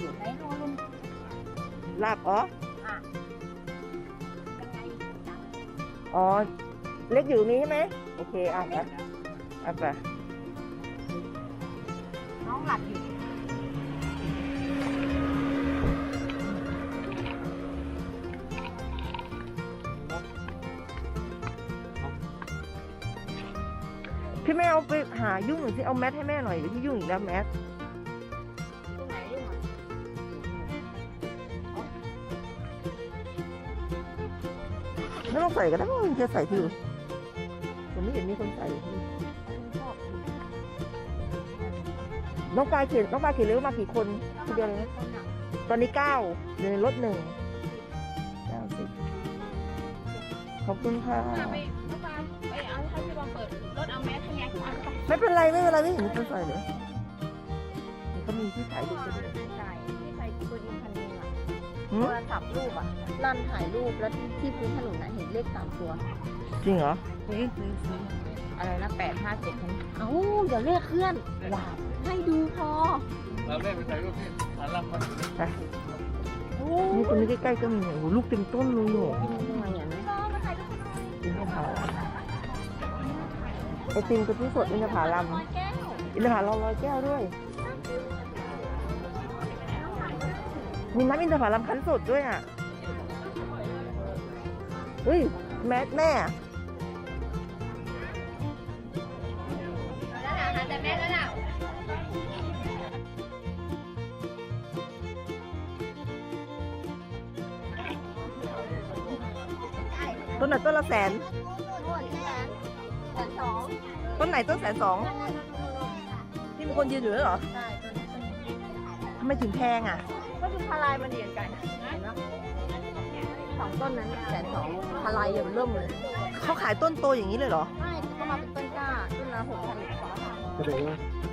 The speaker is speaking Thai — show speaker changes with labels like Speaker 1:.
Speaker 1: อยู่ไหนดูลุง
Speaker 2: ลาบอ๋อ
Speaker 1: ยังไงจัง
Speaker 2: อ๋อเล็กอยู่ตรงนี้ใช่ไหมโอเคอ่ะไปอ่ะไป
Speaker 1: น้องหลับอยู่
Speaker 2: พี่แม่เอาไปหายุ่งหน่อยสิเอาแมทให้แม่หน่อยที่ยุ่งอีกแล้วแมท
Speaker 1: ตรงไหนยุ่งอ่ะ
Speaker 2: ไม่ต้องใส่ก็ได้มันจะใส่ที่อื่นผมไม่เห็นมีคนใส่ที่
Speaker 1: ชอบอยู่
Speaker 2: น้องปลายเขียนเร็วมากี่คนทีเดียวเลยนะ
Speaker 1: คนอ่ะ
Speaker 2: ตอนนี้9อยู่ในรถ1 90ขอบคุณค่ะ
Speaker 1: น้องปลาไปเอาให้พี่บอลเปิดรถเอาแมสให้ไงเอาไป
Speaker 2: ไม่เป็นไรไม่เห็นมีคนใส่เลยมันก็มีที่ถ่ายรูปด้วย
Speaker 1: ใช่ที่ใส่ตัวอินคันนึงอ่ะ
Speaker 2: หื
Speaker 1: โท
Speaker 2: ม
Speaker 1: รศัพท์รูปอ่ะลั่นถ่ายรูปแล้วที่พื้นถนนน่ะเห็นเลข3 ตัว
Speaker 2: จริงเหรอ
Speaker 1: อะไรนะ857คันเอ้าเดี๋ยวเลขเคลื่อนว้าวให้ดูพอ
Speaker 3: เราเล่นไปถ่ายรูปที่ฐานลำมัน
Speaker 1: โอ้
Speaker 2: นี่คนนี้ใกล้ๆก็มีโอ้โหลูกเต็มต้นเลยโห
Speaker 1: กินยังไงอ่ะเนี่ย
Speaker 2: อินทผลัมไอติมกะทิสดอินทผลัม
Speaker 1: แก้ว
Speaker 2: อินทผลัม100 แก้วด้วย มีน้ำอินทผลัมคั้นสดด้วยอ่ะเฮ้ยแม่
Speaker 1: แล้วล่ะแต่แม่แล้วล่ะ
Speaker 2: ต้นไหนต้นละ100,000
Speaker 1: หมดแล้ว120,000
Speaker 2: ต้นไหนต้น120,000ที่มีคนยืนอยู่ด้วยเหรอ
Speaker 1: ใช่ตัวนี้เป็น
Speaker 2: ทำไมถึงแพงอ่ะ
Speaker 1: ก็คือพลายมันเดียนกันเห็นไหม2 ต้นนั้น120,000พลายยังเริ่มเลย
Speaker 2: เขาขายต้นโตอย่างนี้เลยเหรอ
Speaker 1: ไม่ก็มาเป็นต้นกล้าต้นละ6,000 กว่า
Speaker 3: ก็เลยว่า